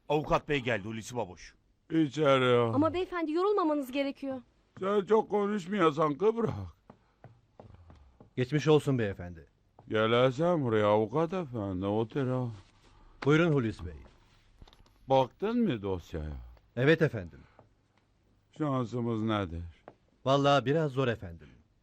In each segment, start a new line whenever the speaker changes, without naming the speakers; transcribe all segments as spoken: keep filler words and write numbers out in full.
Avukat bey geldi Hulusi Baboş.
İçeri.
Ama beyefendi yorulmamanız gerekiyor.
Sen çok konuşmuyorsan kıbrak.
Geçmiş olsun beyefendi.
Gelesem buraya avukat efendi otur ha.
Buyurun Hulusi Bey.
Baktın mı dosyaya?
Evet efendim.
Şansımız nedir?
Vallahi biraz zor efendim.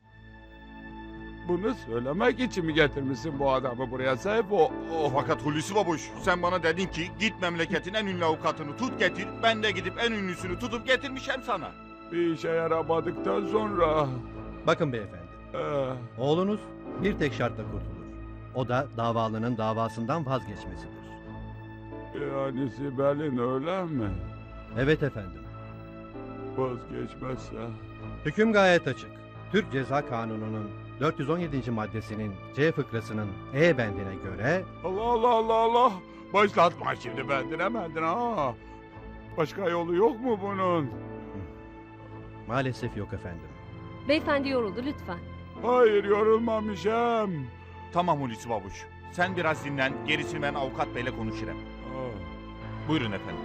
Bunu söylemek için mi getirmişsin bu adamı buraya Seyfo? Oh.
Fakat Hulusi Baboş sen bana dedin ki git memleketin en ünlü avukatını tut getir. Ben de gidip en ünlüsünü tutup getirmişim sana.
Bir işe yaramadıktan sonra...
Bakın beyefendi.
Ee,
Oğlunuz bir tek şartla kurtulur. O da davalının davasından vazgeçmesidir.
yani Sibel'in öyle mi?
Evet efendim.
Vazgeçmezse...
Hüküm gayet açık. Türk Ceza Kanunu'nun dört yüz on yedinci maddesinin C fıkrasının E bendine göre
Allah Allah Allah Allah! Başlatma şimdi bendine bendine ha! Başka yolu yok mu bunun?
maalesef yok efendim.
Beyefendi yoruldu lütfen.
Hayır yorulmamışım.
Tamam Hulusi Baboş. Sen biraz dinlen. Gerisini ben avukat beyle konuşurum.
Ah,
Buyurun efendim.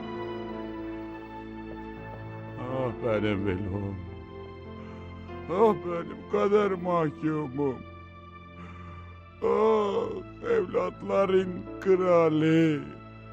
ah benim velum. Ah benim kader mahkumum. Ah evlatların kralı.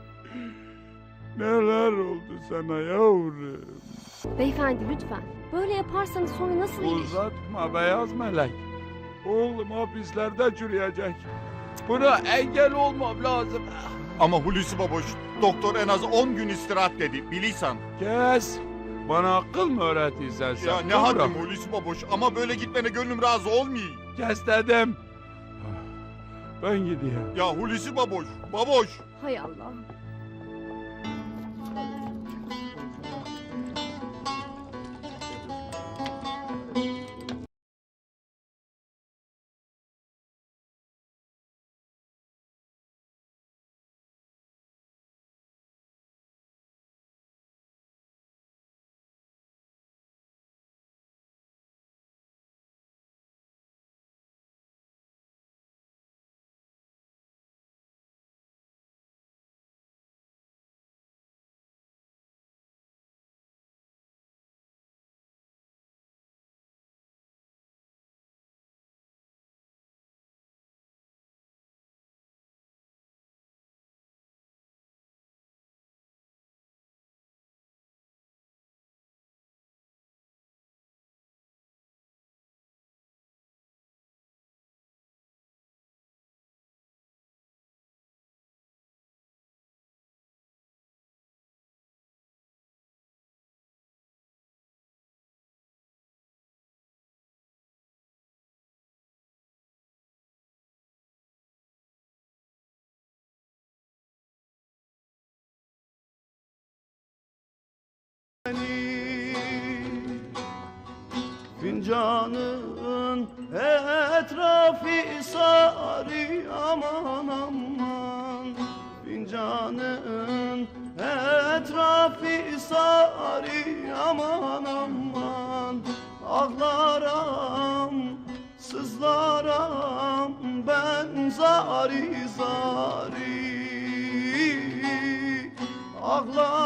Neler oldu sana yavrum?
Beyefendi lütfen. Böyle yaparsanız sonra nasıl iyileşir?
Uzatma beyaz melek. Oğlum hapislerde çürüyecek. Buna engel olmam lazım.
Ama Hulusi Baboş doktor en az on gün istirahat dedi. Biliysen.
Kes. Bana akıl mı öğretirsen sen?
Ya ne
Kıvrak.
haddim Hulusi Baboş ama böyle gitmene gönlüm razı olmuyor.
Kes dedim. Ben gidiyorum.
Ya Hulusi Baboş, Baboş.
Hay Allah.
Fincanın etrafı sarı aman aman. Fincanın etrafı sarı aman aman. Ağlaram, sızlaram ben zari zari. Ağlaram